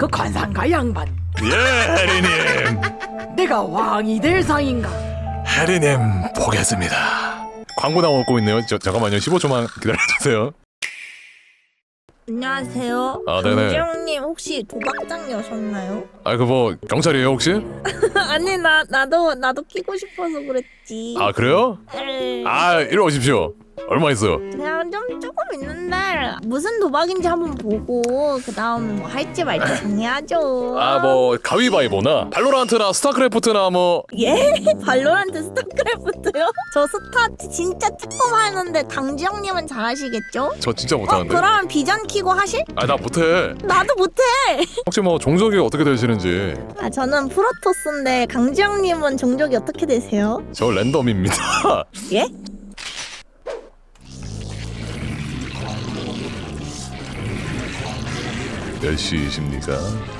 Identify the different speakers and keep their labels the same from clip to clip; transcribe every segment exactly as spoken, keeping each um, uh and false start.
Speaker 1: 그 관상가 양반,
Speaker 2: 예, 해리님.
Speaker 1: 내가 왕이 될 상인가?
Speaker 2: 해리님 보겠습니다. 광고 나오고 있네요. 저, 잠깐만요. 십오 초만 기다려주세요.
Speaker 3: 안녕하세요.
Speaker 2: 아, 네네.
Speaker 3: 강지영님 혹시 도박장 여셨나요?
Speaker 2: 아, 그 뭐 경찰이에요 혹시?
Speaker 3: 아니 나 나도 나도 끼고 싶어서 그랬지.
Speaker 2: 아, 그래요?
Speaker 3: 에이,
Speaker 2: 아, 이리 오십시오. 얼마 있어요?
Speaker 3: 그냥 좀 조금 있는데 무슨 도박인지 한번 보고 그 다음에 뭐 할지 말지 정해야죠.
Speaker 2: 아, 뭐 가위바위보나 발로란트나 스타크래프트나 뭐.
Speaker 3: 예? 발로란트 스타크래프트요? 저 스타 진짜 조금 하는데 강지영님은 잘하시겠죠?
Speaker 2: 저 진짜
Speaker 3: 어
Speaker 2: 못하는데.
Speaker 3: 그럼 비전 키고 하실?
Speaker 2: 아, 나 못해.
Speaker 3: 나도 못해.
Speaker 2: 혹시 뭐 종족이 어떻게 되시는지.
Speaker 3: 아 저는 프로토스인데 강지영님은 종족이 어떻게 되세요?
Speaker 2: 저 랜덤입니다.
Speaker 3: 예?
Speaker 2: 몇 시이십니까?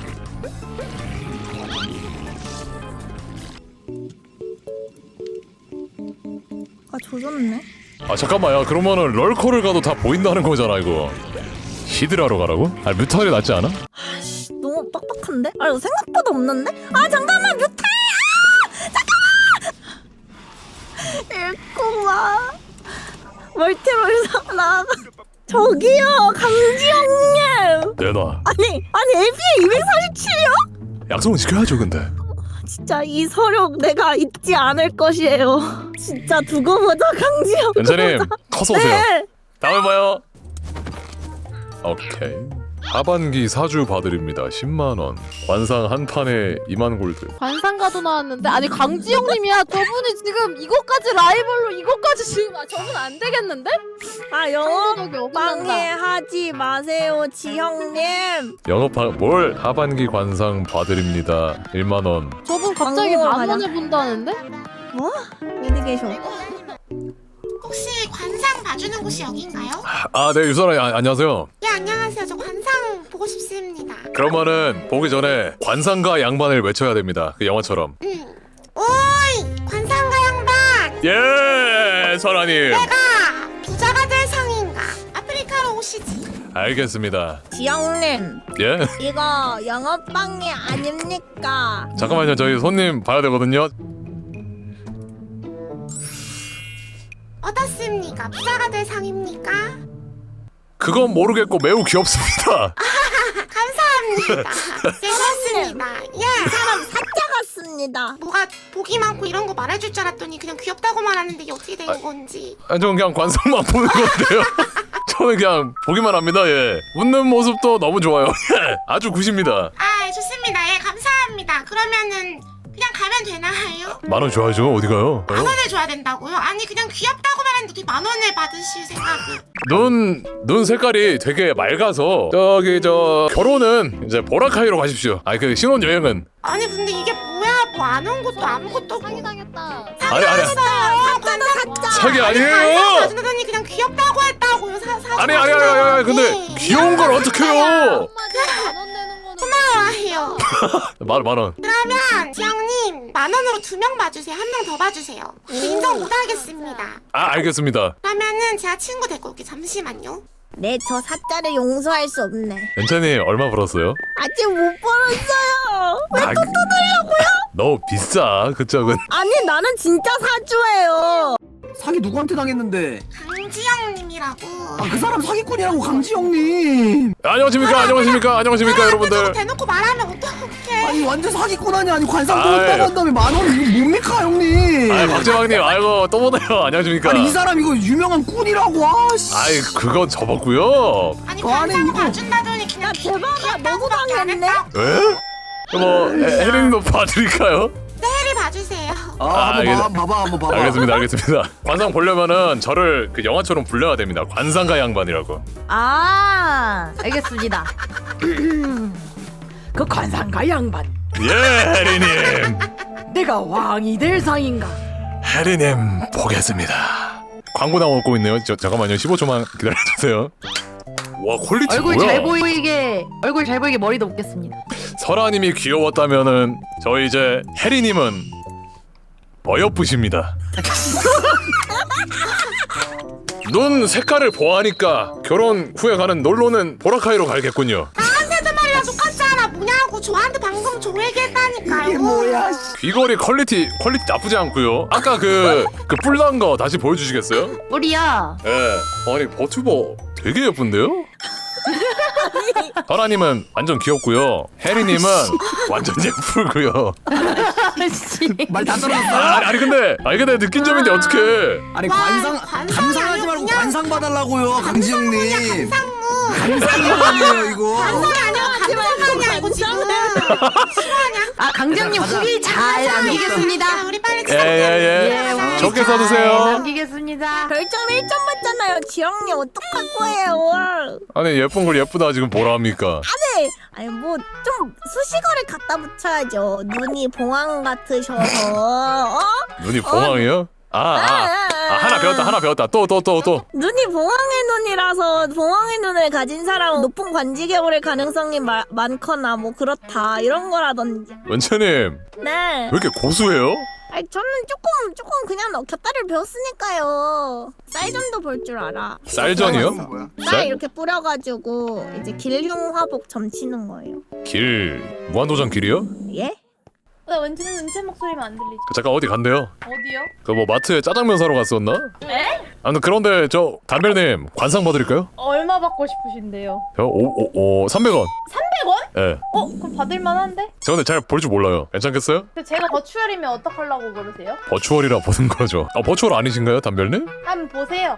Speaker 3: 아 조졌네.
Speaker 2: 아, 잠깐만요. 그러면은 럴커를 가도 다 보인다는 거잖아 이거. 히드라로 가라고? 아, 뮤탈이 낫지 않아?
Speaker 3: 아씨 너무 빡빡한데? 아 이거 생각보다 없는데? 아 잠깐만 뮤탈! 아 잠깐만! 일코마 멀티롤에서 나가. 저기요 강지영님!
Speaker 2: 내놔.
Speaker 3: 아니 아니 엘피에 이백사십칠이요?
Speaker 2: 약속은 지켜야죠 근데.
Speaker 3: 진짜 이 서력 내가 잊지 않을 것이에요. 진짜 두고 보자 강지영.
Speaker 2: 연차님 커서 오세요.
Speaker 3: 네.
Speaker 2: 다음에 봐요. 오케이. 하반기 사주 봐드립니다. 십만 원. 관상 한 판에 이만 골드.
Speaker 4: 관상가도 나왔는데 아니 강지영님이야. 저분이 지금 이것까지 라이벌로 이것까지 지금 아 저분 안 되겠는데?
Speaker 3: 아 영업
Speaker 4: 상도덕이 어긋난다.
Speaker 3: 방해하지 마세요 지형님.
Speaker 2: 영업하 뭘 하반기 관상 봐드립니다. 일만 원.
Speaker 4: 저분 갑자기
Speaker 3: 광고
Speaker 4: 만
Speaker 3: 가자.
Speaker 4: 원을 본다는데?
Speaker 3: 뭐? 어디 계셔?
Speaker 5: 혹시 관상 봐주는 곳이 여긴가요?
Speaker 2: 아, 네 유선아 아, 안녕하세요.
Speaker 5: 예 안녕하세요. 저 관상 보고 싶습니다.
Speaker 2: 그러면은 보기 전에 관상가 양반을 외쳐야 됩니다. 그 영화처럼.
Speaker 5: 음. 오이 관상가 양반.
Speaker 2: 예, 선아님.
Speaker 5: 내가 부자가 될 상인가? 아프리카로 오시지.
Speaker 2: 알겠습니다.
Speaker 3: 지형님
Speaker 2: 예.
Speaker 3: 이거 영업 방해 아닙니까?
Speaker 2: 잠깐만요. 저희 손님 봐야 되거든요.
Speaker 5: 어떻습니까? 부자가 될 상입니까?
Speaker 2: 그건 모르겠고 매우 귀엽습니다.
Speaker 5: 감사합니다. 괜찮습니다. 예.
Speaker 3: 사람 사자 같습니다.
Speaker 5: 뭐가 복이 많고 이런 거 말해줄 줄 알았더니 그냥 귀엽다고만 하는데 이게 어떻게 된 건지.
Speaker 2: 아, 저는 그냥 관상만 보는 건데요. 저는 그냥 보기만 합니다. 예. 웃는 모습도 너무 좋아요. 예. 아주 굿입니다.
Speaker 5: 아 좋습니다. 예 감사합니다. 그러면은 그냥 가면 되나요?
Speaker 2: 만 원 줘야죠. 어디 가요?
Speaker 5: 만 원을 줘야 된다고요? 아니 그냥 귀엽다고만 했는데 어떻게 만 원을 받으실 생각을?
Speaker 2: 눈, 눈 색깔이 되게 맑아서 저기 저 결혼은 이제 보라카이로 가십시오. 아니 그 신혼여행은
Speaker 5: 아니 근데 이게 뭐야? 뭐 안 온 것도 아무것도 없고.
Speaker 4: 사기당했다.
Speaker 2: 아니 아니
Speaker 5: 사자는 사자.
Speaker 2: 사기 아니에요.
Speaker 5: 아니 그냥 귀엽다고 했다고요. 사 사.
Speaker 2: 아니 아니 아니 아니, 아니 근데 귀여운 걸 어떡해요?
Speaker 4: 한마디로 만원 내는 거는
Speaker 5: 고마워해요.
Speaker 2: 만, 만 원.
Speaker 5: 그러면 지영님 만 원으로 두 명 봐주세요. 한 명 더 봐주세요. 인정 못하겠습니다.
Speaker 2: 아, 알겠습니다.
Speaker 5: 그러면은 제가 친구 데리고 올게. 잠시만요.
Speaker 3: 네 저 사자를 용서할 수 없네.
Speaker 2: 연찬이 얼마 벌었어요?
Speaker 3: 아직 못 벌었어요. 왜
Speaker 2: 아,
Speaker 3: 또 뜯으려고요?
Speaker 2: 너무 비싸 그쪽은.
Speaker 3: 아니 나는 진짜 사주예요.
Speaker 6: 사기 누구한테 당했는데?
Speaker 5: 강지영님이라고.
Speaker 6: 아 그 사람 사기꾼이라고 강지영님.
Speaker 2: 안녕하십니까 안녕하십니까 안녕하십니까 여러분들.
Speaker 5: 저거 대놓고 말하면 어떡해?
Speaker 6: 아니 완전 사기꾼 아니 아니 관상
Speaker 2: 아이.
Speaker 6: 보였다고 한 다음에 만 원 이거 뭡니까 형님?
Speaker 2: 아, 박재왕님 아이고 또 보네요. 안녕하십니까.
Speaker 6: 아니 이 사람 이거 유명한 꾼이라고 아씨.
Speaker 2: 아이 그건 접었고요.
Speaker 5: 아니
Speaker 6: 그 안에
Speaker 5: 관상
Speaker 6: 이거-
Speaker 5: 봐준다더니 그냥
Speaker 3: 야, 대박아,
Speaker 5: 귀엽다고밖에 안
Speaker 3: 너무
Speaker 5: 했다.
Speaker 2: 에? 뭐 혜린도 봐드릴까요?
Speaker 5: 해리 봐주세요.
Speaker 6: 아,
Speaker 2: 아,
Speaker 6: 한번
Speaker 2: 알겠-
Speaker 6: 봐, 봐봐 한번 봐봐.
Speaker 2: 알겠습니다 알겠습니다. 관상 보려면은 저를 그 영화처럼 불러야 됩니다. 관상가 양반이라고.
Speaker 4: 아 알겠습니다.
Speaker 1: 그 관상가 양반,
Speaker 2: 예, 혜리님.
Speaker 1: 내가 왕이 될 상인가?
Speaker 2: 혜리님 보겠습니다. 광고 나오고 있네요. 저, 잠깐만요. 십오 초만 기다려주세요. 와 퀄리티
Speaker 4: 얼굴
Speaker 2: 뭐야?
Speaker 4: 잘 보이게 얼굴 잘 보이게 머리도 묶겠습니다.
Speaker 2: 설아님이 귀여웠다면은 저 이제 혜리님은 어여쁘십니다. 눈 색깔을 보아하니까 결혼 후에 가는 놀러는 보라카이로 가야겠군요.
Speaker 5: 나한테도 말이야 똑같잖아. 뭐냐고 저한테 방금 저 얘기했다니까요.
Speaker 6: 이게 뭐야 씨.
Speaker 2: 귀걸이 퀄리티 퀄리티 나쁘지 않고요. 아까 그 그 뿔난 거 다시 보여주시겠어요?
Speaker 4: 우리야.
Speaker 2: 예. 아니 버튜버 되게 예쁜데요? 설아님은 완전 귀엽고요. 혜리님은 완전 예쁘고요.
Speaker 6: 말 다 떨어졌어.
Speaker 2: 아니, 아니 근데 아니 근데 느낀 점인데 어떡해?
Speaker 6: 아니
Speaker 5: 와,
Speaker 6: 관상
Speaker 5: 관상이
Speaker 6: 감상하지
Speaker 5: 아니고
Speaker 6: 말고
Speaker 5: 그냥
Speaker 6: 관상 봐달라고요 강지영님.
Speaker 5: 상무.
Speaker 6: 감상이에요 이거.
Speaker 5: 감상이 아니라 감상이야 이거 지금. 싫어하냐?
Speaker 7: 아 강정님 후기 잘 남기겠습니다.
Speaker 5: 야, 우리 빨리
Speaker 2: 예예예.
Speaker 7: 예,
Speaker 2: 좋게
Speaker 7: 잘
Speaker 2: 써주세요.
Speaker 7: 남기겠습니다.
Speaker 3: 별점 일 점 받잖아요. 지영님 어떡할 거예요?
Speaker 2: 아니 예쁜 걸 예쁘다 지금 뭐라 합니까?
Speaker 3: 네. 아니 뭐 좀 수식어를 갖다 붙여야죠. 눈이 봉황 같으셔서 어?
Speaker 2: 눈이 봉황이요? 아, 아, 아 하나 배웠다 하나 배웠다 또 또 또 또.
Speaker 3: 눈이 봉황의 눈이라서 봉황의 눈을 가진 사람은 높은 관직에 오를 가능성이 마, 많거나 뭐 그렇다 이런 거라든지.
Speaker 2: 원채님
Speaker 3: 네.
Speaker 2: 왜 이렇게 고수해요?
Speaker 3: 아니 저는 조금 조금 그냥 곁다리를 배웠으니까요. 쌀전도 볼 줄 알아.
Speaker 2: 쌀전이요?
Speaker 6: 뭐야?
Speaker 3: 쌀
Speaker 2: 쌀?
Speaker 3: 이렇게 뿌려가지고 이제 길흉화복 점치는 거예요.
Speaker 2: 길 무한도전 길이요?
Speaker 3: 예?
Speaker 4: 나 은채는 은채 목소리만 안 들리지.
Speaker 2: 그 잠깐 어디 간대요?
Speaker 4: 어디요?
Speaker 2: 그 뭐 마트에 짜장면 사러 갔었나?
Speaker 4: 에?
Speaker 2: 아무튼 그런데 저 담별님 관상 봐드릴까요?
Speaker 4: 얼마 받고 싶으신데요?
Speaker 2: 저 오오오 삼백 원.
Speaker 4: 삼백 원?
Speaker 2: 예.
Speaker 4: 어? 그럼 받을만한데?
Speaker 2: 저 근데 잘 볼 줄 몰라요. 괜찮겠어요?
Speaker 4: 근데 제가 버추얼이면 어떡하려고 그러세요?
Speaker 2: 버추얼이라 보는 거죠. 아 버추얼 아니신가요, 담별님?
Speaker 4: 한번 보세요.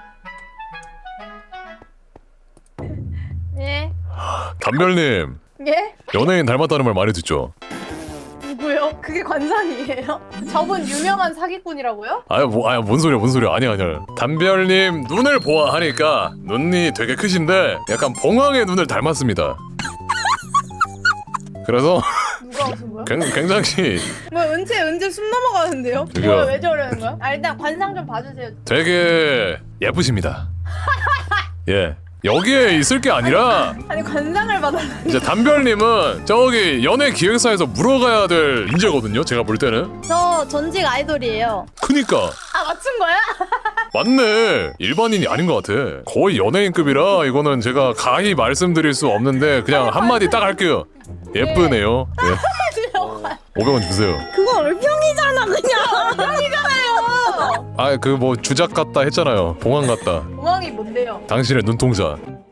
Speaker 4: 예?
Speaker 2: 담별님
Speaker 4: 예?
Speaker 2: 연예인 닮았다는 말 많이 듣죠.
Speaker 4: 누구요? 그게 관상이에요? 저분 유명한 사기꾼이라고요?
Speaker 2: 아유 뭐 아유 뭔 소리야 뭔 소리야 아니야 아니야. 담별님 눈을 보아하니까 눈이 되게 크신데 약간 봉황의 눈을 닮았습니다. 그래서
Speaker 4: 누가 웃은 거야?
Speaker 2: 굉- 굉장히
Speaker 4: 뭐 은채 은채 숨 넘어가는데요?
Speaker 2: 저기요.
Speaker 4: 뭐야 왜 저러는 거야? 아 일단 관상 좀 봐주세요.
Speaker 2: 되게 예쁘십니다. 예. 여기에 있을 게 아니라
Speaker 4: 아니 관상을 받아라.
Speaker 2: 이제 담별님은 저기 연예 기획사에서 물어가야 될 인재거든요. 제가 볼 때는.
Speaker 4: 저 전직 아이돌이에요.
Speaker 2: 그니까
Speaker 4: 아 맞춘 거야?
Speaker 2: 맞네. 일반인이 아닌 것 같아. 거의 연예인급이라 이거는 제가 가히 말씀드릴 수 없는데 그냥 한마디 딱 할게요. 예쁘네요. 예. 오백 원 주세요.
Speaker 3: 그거 얼평이잖아 그냥.
Speaker 2: 아 그 뭐 주작 같다 했잖아요. 봉황 같다.
Speaker 4: 공항이 뭔데요?
Speaker 2: 당신의 눈동자.